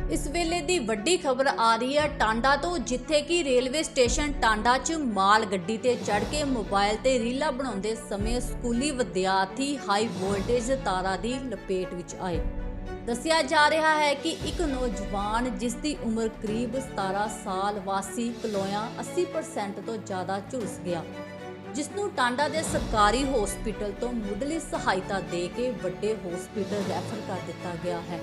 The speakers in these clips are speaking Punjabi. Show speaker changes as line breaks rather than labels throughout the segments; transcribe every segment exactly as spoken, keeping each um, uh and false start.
इस वेले दी वड्डी खबर आ रही है टांडा तो, जिथे कि रेलवे स्टेशन टांडा च माल गड्डी ते चढ़ के मोबाइल ते रीलां बनाउंदे समय स्कूली विद्यार्थी हाई वोल्टेज तारा दी लपेट विच आए। दस्सिया जा रहा है कि एक नौजवान जिसकी उम्र करीब सतारह साल वासी कलोया अस्सी परसेंट तो ज़्यादा झुलस गया, जिसनों टांडा के सरकारी हॉस्पिटल तो मुढ़ली सहायता दे के वड्डे हॉस्पिटल रैफर कर दिता गया है।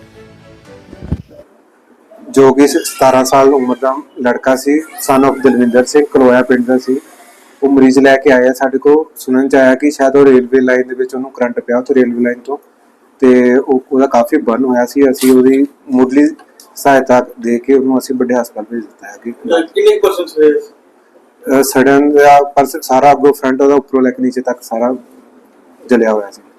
जो कि सतारह साल उम्र का लड़का सी, सन ऑफ दलविंदर सिंह कलोया पिंड का सी। वो मरीज लैके आया साडे को, सुनन च आया कि शायद वो रेलवे लाइन दे विच ओनू करंट पिया तो रेलवे लाइन तो ते ओहदा काफ़ी बर्न होया सी। असीं ओहदी मुढ़ली सहायता दे के ओनू असीं वड्डे हस्पताल भेज दिता है। कि
कितने परसेंट से
सडन दा परसेंट सारा अगो फ्रंट ओहदा उपरों लैके नीचे तक सारा जलिया होया सी।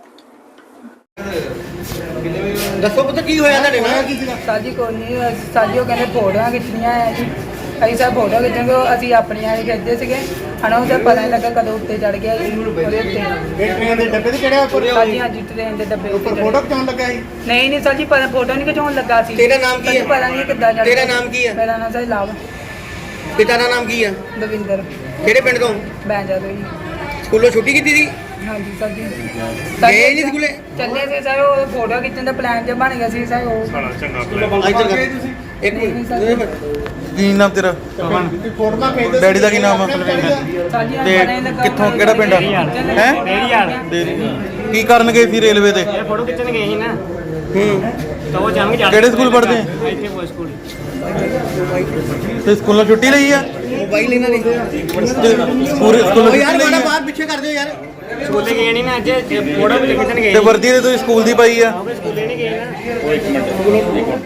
दसो पता की होया ਤੁਹਾਡੇ ਨਾਲ?
ਸਾਜੀ ਕੋਈ ਨਹੀਂ, ਸਾਜੀ ਉਹ ਕਹਿੰਦੇ ਫੋਟੋਆਂ ਖਿੱਚਣੀਆਂ ਆ ਜੀ। ਅਸੀਂ ਸਭ ਫੋਟੋ ਖਿੱਚਾਂਗੇ, ਅਸੀਂ ਆਪਣੀਆਂ ਹੀ ਖਿੱਚਦੇ ਸੀਗੇ। ਹਨਾ ਉਹਦਾ ਪਤਾ ਨਹੀਂ ਲੱਗਾ ਕਦੋਂ ਉੱਤੇ ਚੜ ਗਿਆ ਜੀ ਉਹਦੇ ਉੱਤੇ।
ਇਹ ਟ੍ਰੇਨ ਦੇ ਡੱਬੇ ਤੇ ਚੜਿਆ ਉੱਪਰ?
ਸਾਜੀ ਹਾਂਜੀ ਟ੍ਰੇਨ ਦੇ ਡੱਬੇ ਉੱਤੇ
ਫੋਟੋ ਖਿਚਾਉਣ ਲੱਗਾ ਸੀ?
ਨਹੀਂ ਨਹੀਂ ਸਾਜੀ ਪਤਾ ਫੋਟੋ ਨਹੀਂ ਖਿਚਾਉਣ ਲੱਗਾ ਸੀ।
ਤੇਰਾ ਨਾਮ ਕੀ ਹੈ?
ਸਾਨੂੰ ਪਤਾ ਨਹੀਂ ਕਿੱਦਾਂ ਚੜ ਗਿਆ।
ਤੇਰਾ ਨਾਮ ਕੀ ਹੈ?
ਮੇਰਾ ਨਾਮ ਸਾਜੀ ਲਾਭ
ਪਿਤਾ ਦਾ ਨਾਮ ਕੀ ਹੈ?
ਦਵਿੰਦਰ
ਕਿਹੜੇ ਪਿੰਡ ਤੋਂ?
ਬੈਂਜਾ ਤੋਂ ਜੀ।
ਸਕੂਲੋਂ ਛੁੱਟੀ ਕੀਤੀ ਸੀ?
ਹਾਂਜੀ ਸਾਜੀ
ਗਏ ਨਹੀਂ ਸਕੂਲੇ?
ਚੱਲੇ ਸੀ ਸਰ, ਉਹ ਫੋਟੋ ਖਿੱਚਣ ਦਾ ਪਲਾਨ ਜਿਹਾ ਬਣ ਗਿਆ ਸੀ ਸਰ। ਉਹ
ਇੱਕ ਮਿੰਟ,
ਕੀ ਨਾਮ ਤੇਰਾ?
ਫੋਟੋਆਂ ਭੇਜ
ਡੈਡੀ ਦਾ ਕੀ ਨਾਮ ਆ?
ਸਾਜੀ
ਤੇ ਕਿੱਥੋਂ, ਕਿਹੜਾ ਪਿੰਡ ਆ? ਹੈ ਕੀ ਕਰਨ ਗਏ ਸੀ ਰੇਲਵੇ ਤੇ?
ਫੋਟੋ ਖਿੱਚਣ ਗਏ ਸੀ ਨਾ।
ਹੂੰ
ਤਾਂ ਉਹ ਜਾਣ ਕੇ ਜਾ
ਕਿਹੜੇ ਸਕੂਲ ਪੜ੍ਹਦੇ ਆ?
ਇੱਥੇ ਕੋਈ ਸਕੂਲ
ਤੇ ਸਕੂਲੋਂ ਛੁੱਟੀ ਲਈ ਆ?
ਮੋਬਾਈਲ ਇਹਨਾਂ ਨੇ
ਪੂਰੇ ਸਕੂਲੋਂ
ਓ ਯਾਰ
ਛੁੱਟੀ ਲਈ
ਮਾੜਾ
ਆ?
ਬਾਹਰ ਪਿੱਛੇ ਕਰ ਦਿਓ ਯਾਰ।
ਸਕੂਲੇ ਗਏ ਨਹੀਂ ਨਾ ਅੱਜ, ਫੋਟੋ ਖਿੱਚਣ ਗਏ
ਤੇ ਵਰਦੀ ਤੇ ਤੁਸੀਂ ਸਕੂਲ ਦੀ ਪਾਈ ਆ?
ਸਕੂਲੇ ਨਹੀਂ ਗਏ ਨਾ।